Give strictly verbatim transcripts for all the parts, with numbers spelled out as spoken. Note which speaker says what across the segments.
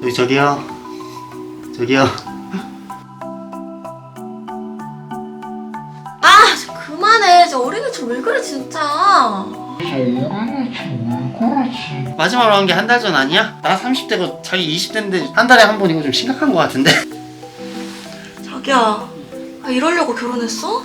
Speaker 1: 여기 저기요. 저기요.
Speaker 2: 아, 저 그만해. 저 어린애처럼 왜 그래 진짜.
Speaker 1: 마지막으로 한 게 한 달 전 아니야? 나 삼십 대고 자기 이십 대인데 한 달에 한 번 이거 좀 심각한 거 같은데?
Speaker 2: 자기야, 아, 이러려고 결혼했어?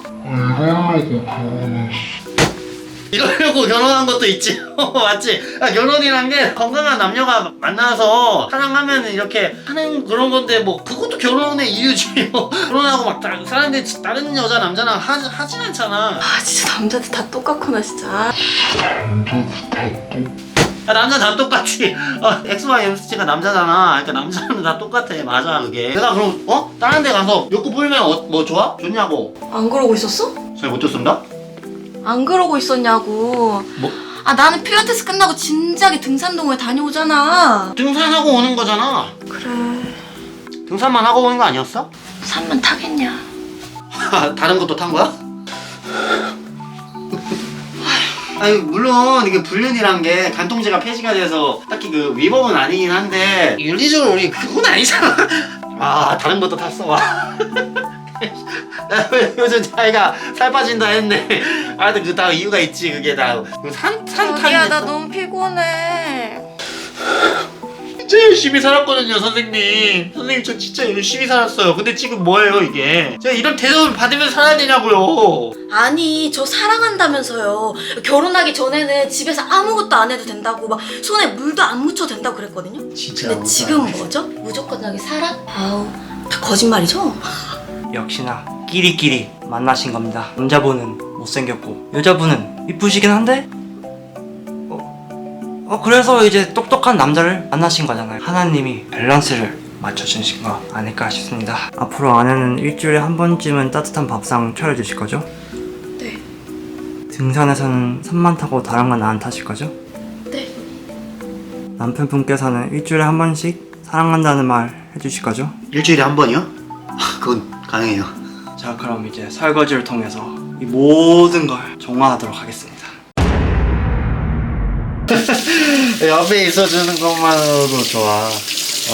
Speaker 1: 이러려고 결혼한 것도 있지. 맞지? 아, 결혼이란 게 건강한 남녀가 만나서 사랑하면 이렇게 하는 그런 건데 뭐 그것도 결혼의 이유지. 뭐 결혼하고 막 다, 사람들이 다른 여자 남자랑 하, 하진 않잖아.
Speaker 2: 아, 진짜 남자들 다 똑같구나 진짜.
Speaker 1: 야, 남자 다 똑같지. 어, 엑스와이 엠씨가 남자잖아. 그러니까 남자는 다 똑같아. 맞아 그게. 내가 그럼 어? 다른 데 가서 욕구 풀면 어, 뭐 좋아? 좋냐고.
Speaker 2: 안 그러고 있었어?
Speaker 1: 잘 못 듣습니다?
Speaker 2: 안 그러고 있었냐고.
Speaker 1: 뭐?
Speaker 2: 아, 나는 필라테스 끝나고 진작에 등산동호회 다녀오잖아.
Speaker 1: 등산하고 오는 거잖아.
Speaker 2: 그래.
Speaker 1: 등산만 하고 오는 거 아니었어?
Speaker 2: 산만 타겠냐?
Speaker 1: 다른 것도 탄 거야? 아니 물론 이게 불륜이란 게 간통죄가 폐지가 돼서 딱히 그 위법은 아니긴 한데 윤리적으로 우리 그건 아니잖아. 아 다른 것도 탔어 와. 요즘 자기가 살 빠진다 했네. 하여튼 그 다 이유가 있지. 그게 다산산
Speaker 2: 자기야,
Speaker 1: 타는
Speaker 2: 나 너무 피곤해.
Speaker 1: 진짜 열심히 살았거든요 선생님. 선생님 저 진짜 열심히 살았어요. 근데 지금 뭐예요 이게? 제가 이런 대접을 받으면서 살아야 되냐고요.
Speaker 2: 아니, 저 사랑한다면서요. 결혼하기 전에는 집에서 아무것도 안 해도 된다고, 막 손에 물도 안 묻혀도 된다고 그랬거든요.
Speaker 1: 진짜
Speaker 2: 근데 지금 뭐죠? 무조건하게 살아? 아우, 다 거짓말이죠?
Speaker 3: 역시나 끼리끼리 만나신 겁니다. 남자분은 못생겼고 여자분은 이쁘시긴 한데 어, 어 그래서 이제 똑똑한 남자를 만나신 거잖아요. 하나님이 밸런스를 맞춰주신 거 아닐까 싶습니다. 앞으로 아내는 일주일에 한 번쯤은 따뜻한 밥상 차려주실 거죠?
Speaker 2: 네.
Speaker 3: 등산에서는 산만 타고 다른 건 안 타실 거죠?
Speaker 2: 네.
Speaker 3: 남편분께서는 일주일에 한 번씩 사랑한다는 말 해주실 거죠?
Speaker 1: 일주일에 한 번이요? 아, 그건 가능해요.
Speaker 3: 자, 그럼 이제 설거지를 통해서 이 모든 걸 정화하도록 하겠습니다.
Speaker 1: 옆에 있어주는 것만으로도 좋아. 어.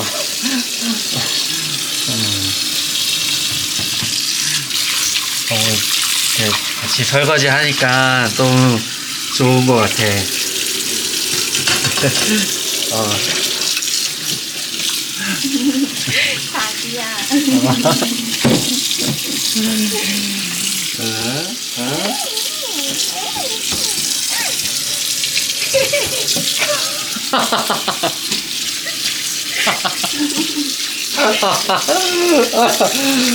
Speaker 1: 너무 이렇게 같이 설거지 하니까 너무 좋은 것 같아. 어.
Speaker 2: 자기야.
Speaker 1: 어?